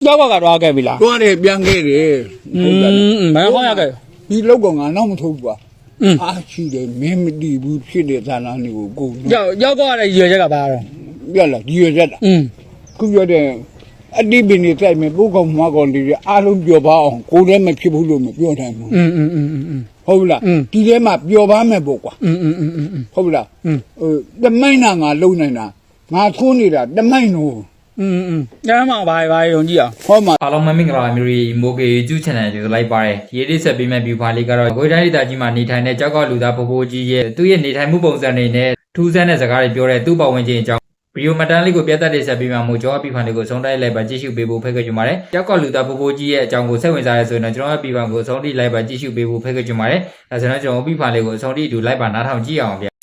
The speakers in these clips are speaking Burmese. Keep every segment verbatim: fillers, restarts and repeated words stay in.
ကြောက်ကကတော့ခဲ့ပြီလားတွားတယ်ပြန်ခဲ့တယ်อืมဘယ်ခေါ်ရခဲ့ဒီလောက်ကောင်ကနောက်မထုတ်ဘူးကွာအားရှိတယ်မင်းမတီးဘူးဖြစ်တဲ့သာနာတွေကိုကိုကြောက်ကြောက်ကလည်းရွယ်ချက်ကပါတော့ပြက်လာဒီရွယ်ချက်တာอืมခုပြောတဲ့အတိပင်နေတိုက်မယ်ပုတ်ကောင်မကောင်တွေအားလုံးပြောပါအောင်ကိုယ်လည်းမဖြစ်ဘူးလို့မပြောနိုင်ဘူးอืมอืมอืมอืมဟုတ်လားဒီထဲမှာပျော်ပါမယ်ပေါ့ကွာอืมอืมอืมอืมဟုတ်လားဟိုတမိုင်းနာငါလုံနိုင်တာငါထိုးနေတာတမိုင်းနော်อืมอืมညမှာဘာဘာယုံကြည့်အောင်ဟောမှာအားလုံးမင်္ဂလာပါမျိုးရီမိုကေ YouTube channel ကိုလိုက်ပါတယ်ဒီရေးလေးဆက်ပေးမဲ့ view file လေးကတော့ကိုယ်တိုင်းဒေသကြီးမှာနေထိုင်တဲ့ကြောက်ကလူသားပိုပိုကြီးရဲ့သူ့ရဲ့နေထိုင်မှုပုံစံတွေနဲ့ထူးဆန်းတဲ့စကားတွေပြောတဲ့သူ့ပတ်ဝန်းကျင်အကြောင်းဗီဒီယိုမှတ်တမ်းလေးကိုပြသတဲ့ဆက်ပေးမှာမို့ကျွန်တော် view file လေးကိုဆုံးတိုက်လိုက်ပါကြည့်ရှုပေးဖို့ဖိတ်ခေါ်ချင်ပါတယ်ကြောက်ကလူသားပိုပိုကြီးရဲ့အကြောင်းကိုစိတ်ဝင်စားရဆိုရင်တော့ကျွန်တော် view file ကိုဆုံးထိလိုက်ပါကြည့်ရှုပေးဖို့ဖိတ်ခေါ်ချင်ပါတယ်ဒါဆိုတော့ကျွန်တော် view file လေးကိုဆုံးထိအတူလိုက်ပါနားထောင်ကြည့်အောင်ဗျ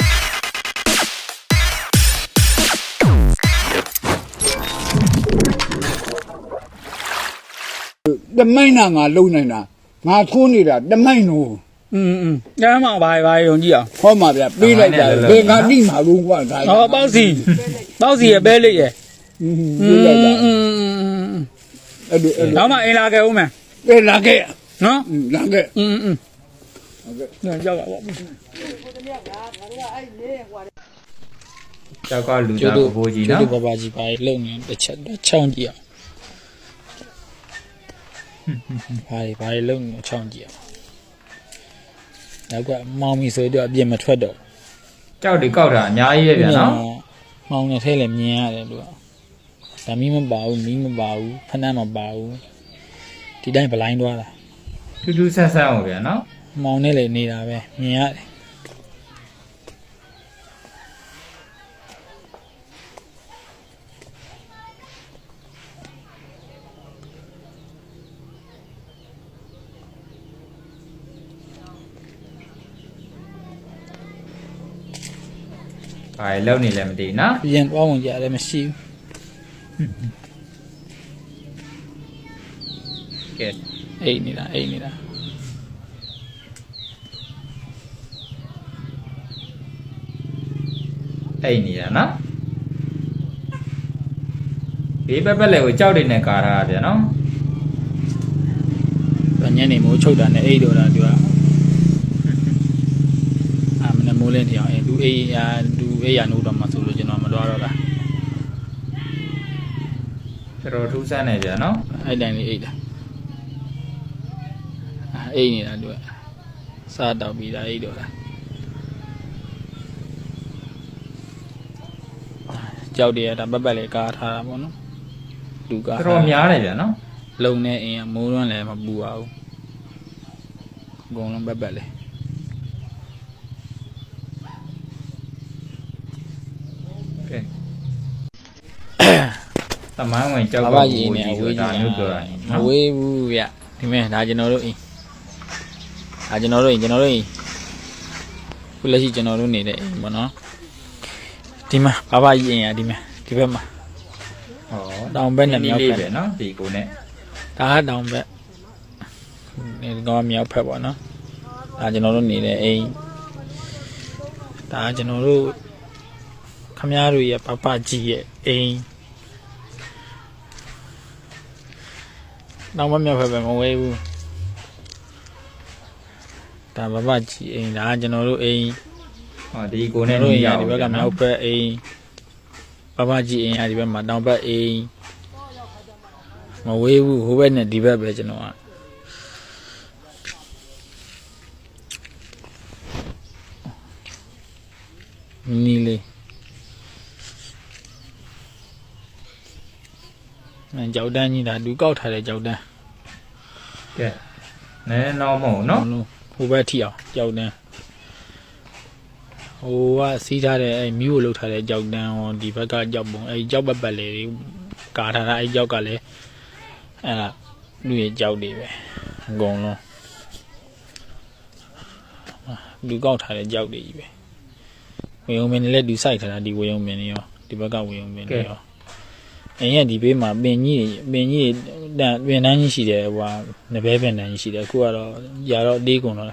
တမိုင်းနာငါလုံနိုင်တာငါထိုးနေတာတမိုင်းနော်อืมอืมညမှာဘာဘာယုံကြည့်အောင်ဟောမှာဗျပေးလိုက်တာဘယ်ကတိမှာလို့ကွာဒါဟောပေါက်စီပေါက်စီရဲ့ပဲလေးရဲ့อืมပေးလိုက်တာอืมအဲ့လိုအဲ့လိုတော့မှအင်လာခဲ့ဦးမယ်ပေးလာခဲ့နော်လာခဲ့อืมอืมဟုတ်ကဲ့ညကြောက်ပါပေါ့ကြောက်ကလူသားပိုပိုကြီးနော်ကျူဘာဘာကြီးပါလုံနေတစ်ချက်တော့ချောင်းကြည့်အောင်ဘာတွေဘာတွေလုံနေချောင်းကြည့်အောင်နောက်ကမောင်မီဆိုတော့အပြစ်မထွက်တော့ကြောက်တွေကောက်တာအများကြီးပဲဗျာနော်မောင်နဲ့ထဲလည်းမြင်ရတယ်လို့ဒါမီးမပါဘူးမီးမပါဘူးဖနှက်မပါဘူးဒီတိုင်းဘလိုင်းသွားတာထူးထူးဆန်းဆန်းဟုတ်ဗျာနော်မောင်နဲ့လည်းနေတာပဲမြင်ရတယ်ဘာလဲလုံနေလည်းမသိဘူးနော်ပြန်သွားဝင်ကြလည်းမရှိဘူးကဲအိတ်နေတာအိတ်နေတာအိတ်နေတာနော်ဘေးပက်ပက်လည်းကိုကြောက်တွေနဲ့ကာထားတာဗျာနော်ညနေမိုးချုပ်တာနဲ့အိတ်တော့တာသူကအာမနမိုးလင်းတရားအဲသူအိတ်ရာသူအိတ်ရာနိုးတော့မှဆိုလို့ကျွန်တော်မတော်တော့တာတော်တော်ထူးဆန်းနေဗျာနော်အဲ့တိုင်းလေးအိတ်တာအာအိတ်နေတာသူကစားတော့ပြီးတာအိတ်တော့တာကြောက်တယ်ကဒါပက်ပက်လေးကားထားတာပေါ့နော်လူကတော်တော်များတယ်ဗျာနော်လုံနေအင်းမိုးရွန်းလည်းမပူပါဘူးအကုန်လုံးပက်ပက်လေးကဲတမိုင်းဝင်ကြောက်ကပူကြီးဆိုတာမျိုးပြောတာမဝေးဘူးဗျဒီမဲ့ဒါကျွန်တော်တို့အင်းဒါကျွန်တော်တို့အင်းကျွန်တော်တို့အင်းခုလက်ရှိကျွန်တော်တို့နေတဲ့အိမ်ပေါ့နော်ဒီမှာဘာဘာကြီးအင်းရဒီမှာဒီဘက်မှာဟောတောင်ဘက်နဲ့မြောက်ဘက်ပဲနော်ဒီကိုနဲ့ဒါကတောင်ဘက်နေတော့မြောက်ဘက်ပေါ့နော်ဒါကျွန်တော်တို့နေတဲ့အိမ်ဒါကျွန်တော်တို့ခမည်းတော်ရဲ့ပပကြီးရဲ့အိမ်တောင်ဘက်မြောက်ဘက်ပဲမဝေးဘူးဒါပပကြီးအိမ်ဒါကျွန်တော်တို့အိမ်ဟောဒီကိုနဲ့ဒီဘက်ကမြောက်ဘက်အိမ်ပပကြီးအိမ်အဲဒီဘက်မှာတောင်ဘက်အိမ်မဝေးဘူးဟိုဘက်နဲ့ဒီဘက်ပဲကျွန်တော်ကနီးလေးအဲကြောက်တန်းကြီးဒါလူကောက်ထားတဲ့ကြောက်တန်းကဲနည်းတော့မဟုတ်နော်ဟိုဘက်ထိအောင်ကြောက်တန်းဟိုကစီးထားတဲ့အဲမြူးကိုလှုပ်ထားတဲ့ကြောက်တန်းဟောဒီဘက်ကကြောက်ပုံအဲကြောက်ပတ်ပတ်လေးကာထားတာအဲကြောက်ကလည်းအဲလူရဲ့ကြောက်တွေပဲအကုန်လုံးလူကောက်ထားတဲ့ကြောက်တွေကြီးပဲဝေယုံမင်းလည်းလူစိုက်ထားတာဒီဝေယုံမင်းရောဒီဘက်ကဝေယုံမင်းရောအင်းရဒီဘေးမှာပင်ကြီးပင်ကြီးတန်ပင်တန်းကြီးရှိတယ်ဟိုဟာနဘဲပင်တန်းကြီးရှိတယ်အခုကတော့ຢာတော့အသေးကုန်တော့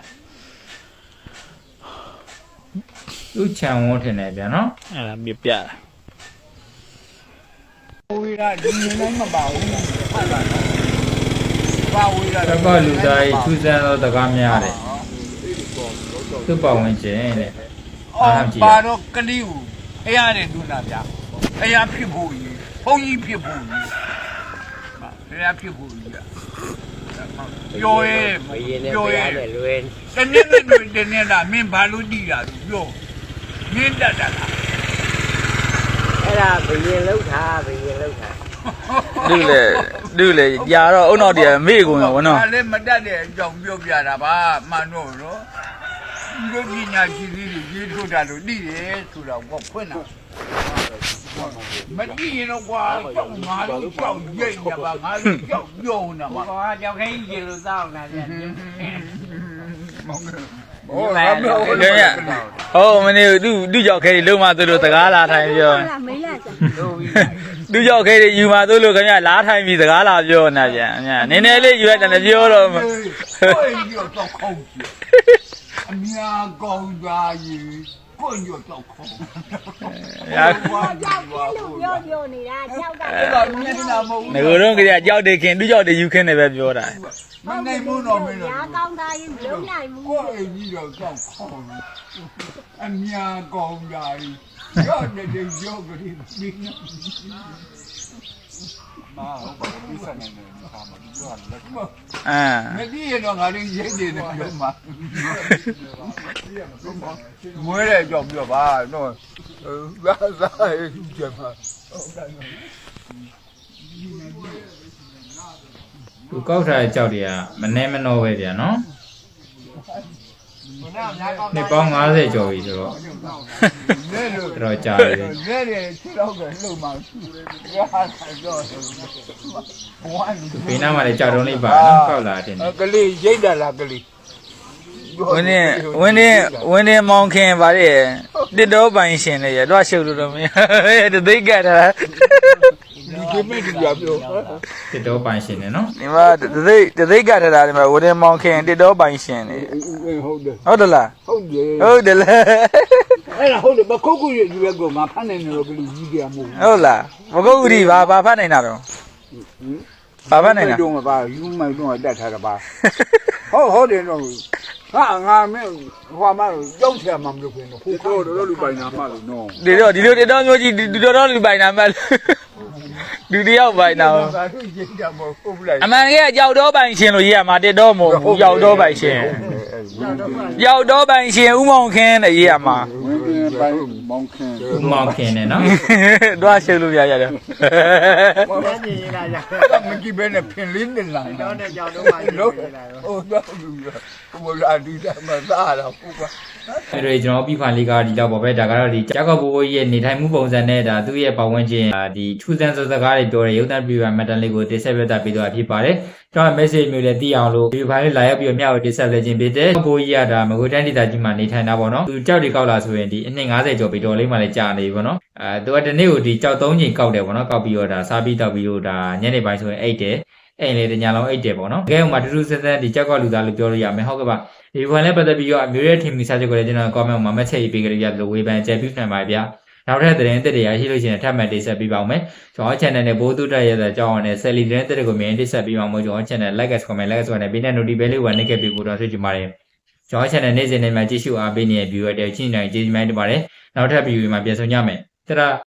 သူ့ချံဝန်းထင်တယ်ဗျာနော်အဲ့ဒါပြပြဝေးတာဒီနေတိုင်းမပါဘူးဟုတ်လားပါဝေးတာကြောက်ကလူသားရဲ့ထူးဆန်းသောစကားများတယ်သူ့ပတ်ဝန်းကျင်တဲ့အော်ပါတော့ကလေးကိုဖះနဲ့ဒုနာဗျာဖះဖြစ်ဖို့ကြီးဘုန်းကြီးဖြစ်ဖို့ကြီးဖះဖြစ်ဖို့ကြီးပြောရဲဘယင်းနဲ့ပြောဘုရဲရားနဲ့လွယ်တနေ့နဲ့တွေ့တနေ့လားမင်းဘာလို့တည်တာသူပြောမင်းတတ်တာလားအဲ့ဒါဘယင်းလောက်ထားဘယင်းလောက်ထားလူလေလူလေຢာတော့အုံနောက်တည်းမေ့ကုန်ရောဗောနော်ဒါလည်းမတတ်တဲ့အကြောင်းပြောပြတာပါမှန်တော့နော်ဒီလိုပညာရှိသေးတွေရေးထုတ်တာလို့တည်တယ်ဆိုတာကဖွင့်တာမတည်ရင်တော့ကွာကြောက်ငါတို့ကြောက်ရိတ်နေပါငါတို့ကြောက်ပြုံးနေပါဟောကြောက်ခိုင်းရေလို့စောင်းလာတယ်ဟောလာပြောခင်ဗျဟောမနေသူသူကြောက်ခဲတွေလုံးမသူလို့စကားလာထိုင်ပြော没来着。 သူကြောက်ခဲတွေယူมาသူလို့ခင်ဗျလားထိုင်ပြီးစကားလာပြောနေပြန်အများနည်းနည်းလေးယူရတယ်လည်းပြောတော့ဟိုရောတော့ခေါင်းကြည့်အများကောင်းသားကြီးကိုညောတော့ခေါင်းရာ我叫天路标标你啦，叫到အဲ့တော့မင်းလာမဟုတ်ငကိုတော့ကြကြောက်တယ်ခင်သူကြောက်တယ်ယူခင်းတယ်ပဲပြောတာမနိုင်ဘူးတော့မင်းတို့牙膏大人流奶母ကို。အိမ်ကြီးတော့တော့ခေါင်းအများကောင်းသားကြီးရောနေတဲ့ရောကလေးပြီးနေမာဟုတ်ပါဘူးစနေနေမှာမပြောရလက်မအာမသိရတော့ငါတို့ရိတ်နေတယ်ပြောမှာမွေးတဲ့ကြောင့်ပြောပါတော့သာသာကျမသူကောက်ထားတဲ့ကြောက်တွေကမနှဲမနှောပဲဗျာနော်နှစ်ပေါင်း၅၀ကျော်ပြီဆိုတော့လဲလို့တော်တော်ကြာတယ်လဲတယ်ခြေတော့ကလှုပ်မှရဟာတော့ဘဝလူဘေးနားမှာလည်းကြောက်တုံးလေးပါနော်ကောက်လာတဲ့နေကလေးရိတ်တာလားကလေးဝင်းနေဝင်းနေဝင်းနေမောင်ခင်ဗါတဲ့တစ်တော်ပိုင်ရှင်လေရတော့ရှုပ်လို့တော့မရတသိကတ်တာဒီကိမဲ့ဒီပြောတစ်တော့ပိုင်ရှင်နေနော်ဒီမှာတသိတသိကတ်တာဒီမှာဝင်းနေမောင်ခင်တစ်တော်ပိုင်ရှင်လေဟုတ်တယ်ဟုတ်တယ်လားဟုတ်တယ်ဟုတ်တယ်လားအဲ့ဒါဟုတ်တယ်မခုတ်ခုရွေရွေကောငါဖမ်းနေတယ်လို့ကလေးကြီးကြမဟုတ်ဟုတ်လားမကုတ်ဦးဒီဘာဘာဖတ်နိုင်တာတော့ဘာဖတ်နိုင်တာတော့မပါယူမိုင်တော့တတ်ထားတာပါဟုတ်ဟုတ်တယ်တော့ဟာငါမင်းဟိုမှာကြောက်ချင်မှမလုပ်ဘူးနော်ဖိုးတော့တော့လူပိုင်နာမှလို့နော်ဒီတော့ဒီလိုတစ်တော်မျိုးကြီးဒီတော်တော်လူပိုင်နာမှလူတယောက်ပိုင်နာဒါတို့ရိတ်တာမဟုတ်ဘူးလားအမှန်ကကြောက်တော့ပိုင်ရှင်လို့ရေးရမှာတစ်တော်မဟုတ်ဘူးကြောက်တော့ပိုင်ရှင်ကြောက်တော့ပိုင်ရှင်ဥမောင်ခင်းတဲ့ရေးရမှာဝင်းပြပိုင်မောင်ခင်းဦးမောင်ခင်နေနော်တော့ရှုပ်လို့ပြရတယ်ဘာကြည့်ရတာကြာမကြည့်ပဲနဲ့ဖင်လေးနဲ့လာတော့တဲ့ကြောက်တော့မှလို့ကြည့်လာတော့ဟိုတော့လူဘုရားဒီတမသားတော့ဟုတ်ပါအဲ့တော့ကျွန်တော်ပြီးခွန်လေးကဒီတော့ပေါ့ပဲဒါကတော့ဒီကြောက်ကဘိုးဘိုးကြီးရဲ့နေထိုင်မှုပုံစံနဲ့ဒါသူ့ရဲ့ပတ်ဝန်းကျင်ဒီထူးဆန်းစကားတွေပြောတဲ့ရုပ်သံပြပြမတ်တန်လေးကိုတင်ဆက်ပြသပေးတော့ဖြစ်ပါတယ်ကျွန်တော် message မျိုးလည်းသိအောင်လို့ဒီဖိုင်လေးလာရောက်ပြီးတော့မျှဝေတင်ဆက်ပေးခြင်းဖြစ်တယ်ဘိုးကြီးကဒါမကွေးတိုင်းဒေသကြီးမှာနေထိုင်တာပေါ့နော်သူကြောက်တွေကောက်လာဆိုရင်ဒီအနှစ်၅၀ကျော်ပြီးတော့လေးမှလည်းကြာနေပြီပေါ့နော်အဲသူကဒီနေ့ကိုဒီကြောက်၃ချိန်ကောက်တယ်ပေါ့နော်ကောက်ပြီးတော့ဒါစားပြီးတောက်ပြီးတော့ဒါညနေပိုင်းဆိုရင်အိတ်တယ်အဲ့လေတညာလုံးအိတ်တယ်ပေါ့နော်တကယ်မှတူတူဆန်းဆန်းဒီကြောက်ကလူသားလို့ပြောလို့ရမယ်ဟုတ်ကဲ့ပါဒီဘွန်လည်းပတ်သက်ပြီးတော့အမျိုးရဲ့ထင်မြင်စားချက်ကိုလည်းကျွန်တော် comment မှာ message ရေးပေးကြရလို့ဝေဖန်ကြပြနိုင်ပါဗျာနောက်ထပ်သတင်းသစ်တွေရရှိလို့ရှိရင်ထပ်မံတင်ဆက်ပေးပါဦးမယ်ကျွန်တော် channel နဲ့ဘိုးသူတက်ရတဲ့အကြောင်းနဲ့ Sally သတင်းသစ်တွေကိုမြင်တင်ဆက်ပေးပါဦးမယ်ကျွန်တော် channel like and comment like ဆိုတဲ့ဘေးနဲ့ notification လေးဝင်နေခဲ့ပြီးပို့တော့ဆွေးကြည့်ပါတယ်ကျွန်တော် channel နေ့စဉ်နဲ့မှကြည့်ရှုအားပေးနေတဲ့ viewer တွေချင်းနိုင်ကျေးဇူးများတင်ပါတယ်နောက်ထပ် video မှာပြန်ဆုံကြမယ်တရာ